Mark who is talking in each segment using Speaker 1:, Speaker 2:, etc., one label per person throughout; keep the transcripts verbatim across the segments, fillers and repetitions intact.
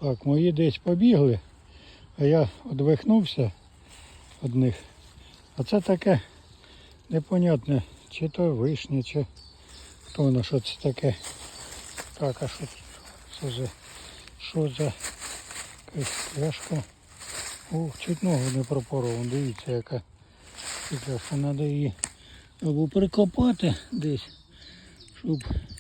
Speaker 1: Так, мої десь побігли, а я одвихнувся від них. А це таке непонятне, чи то вишня, чи хто воно, що це таке. Так, а що це за, що за якась пляшка? Ох, чуть ногу не пропоров, дивіться яка пляшка, треба її або прикопати десь, щоб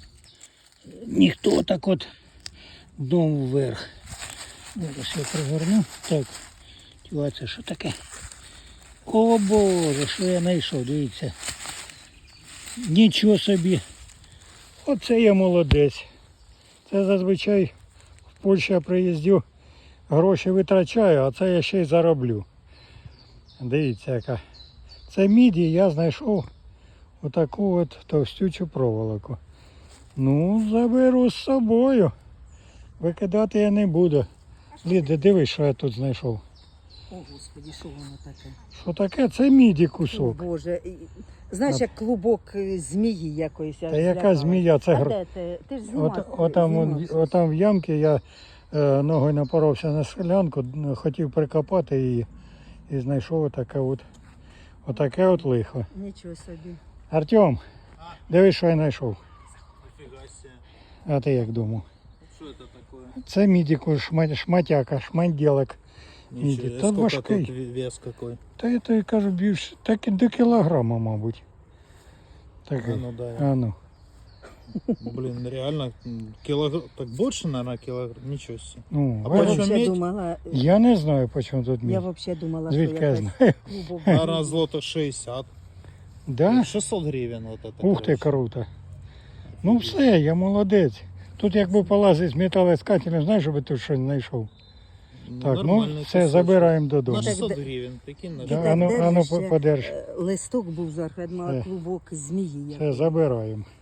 Speaker 1: ніхто так от дном вверх. Зараз я пригорну. Так, тіла, це що таке? О Боже, що я знайшов, дивіться. Нічого собі. Оце я молодець. Це зазвичай в Польщу я приїздю, гроші витрачаю, а це я ще й зароблю. Дивіться яка. Це міді, я знайшов отаку от товстючу проволоку. Ну, заберу з собою. Викидати я не буду. Ліда, дивись, що я тут знайшов.
Speaker 2: О, Господи, що воно таке?
Speaker 1: Що таке? Це міді
Speaker 2: О,
Speaker 1: кусок.
Speaker 2: Боже. І- Знаєш, як клубок е, змії якоїсь.
Speaker 1: Та яка змія? Це
Speaker 2: А
Speaker 1: гр...
Speaker 2: де ти? Ти ж знімав.
Speaker 1: От, отам, он-
Speaker 2: знімав щось.
Speaker 1: отам в ямці я е, ногою напоровся на селянку, хотів прикопати її і знайшов отаке от, отаке от лихо.
Speaker 2: Нічого собі.
Speaker 1: Артем, дивись, що я знайшов.
Speaker 3: Нифига себе.
Speaker 1: А ти як думав?
Speaker 3: Что это такое?
Speaker 1: Це мідіку, шма- шматяка, шманділок.
Speaker 3: Ничего,
Speaker 1: Та
Speaker 3: сколько
Speaker 1: важкий.
Speaker 3: тут вес какой?
Speaker 1: Та я тобі кажу, більше, так і до кілограма, мабуть. Так,
Speaker 3: А ну дай.
Speaker 1: а ну.
Speaker 3: Блин, реально килограмм, так больше, наверное, килограмм, ничего себе.
Speaker 1: Ну,
Speaker 3: А
Speaker 2: Я
Speaker 1: бачиш,
Speaker 3: почем
Speaker 2: взагалі
Speaker 3: медь?
Speaker 2: думала, е,
Speaker 1: я не знаю, по чому тут
Speaker 2: я
Speaker 1: мідь.
Speaker 2: взагалі думала,
Speaker 1: Звідки
Speaker 2: що
Speaker 1: я
Speaker 2: якась
Speaker 1: знаю?
Speaker 2: клубок.
Speaker 3: Наверное, злото шестьдесят.
Speaker 1: Да?
Speaker 3: шестьсот гривен вот это.
Speaker 1: Ух ти,
Speaker 3: короче.
Speaker 1: круто. Ну все, я молодець. Тут якби полазить з металоіскателем, знаєш, щоб тут щось знайшов.
Speaker 3: Ну,
Speaker 1: Так, ну
Speaker 3: нормальный
Speaker 1: все,
Speaker 3: кусочек.
Speaker 1: забираємо
Speaker 3: На
Speaker 1: додому.
Speaker 3: шестьсот
Speaker 2: Так,
Speaker 3: гривен, прикинь. на
Speaker 1: Да,
Speaker 3: что?
Speaker 1: а ну, а ну
Speaker 2: держиш ще,
Speaker 1: подерж.
Speaker 2: е, Листок був зверху, я думала,
Speaker 1: Все.
Speaker 2: клубок змії.
Speaker 1: Все, забираємо.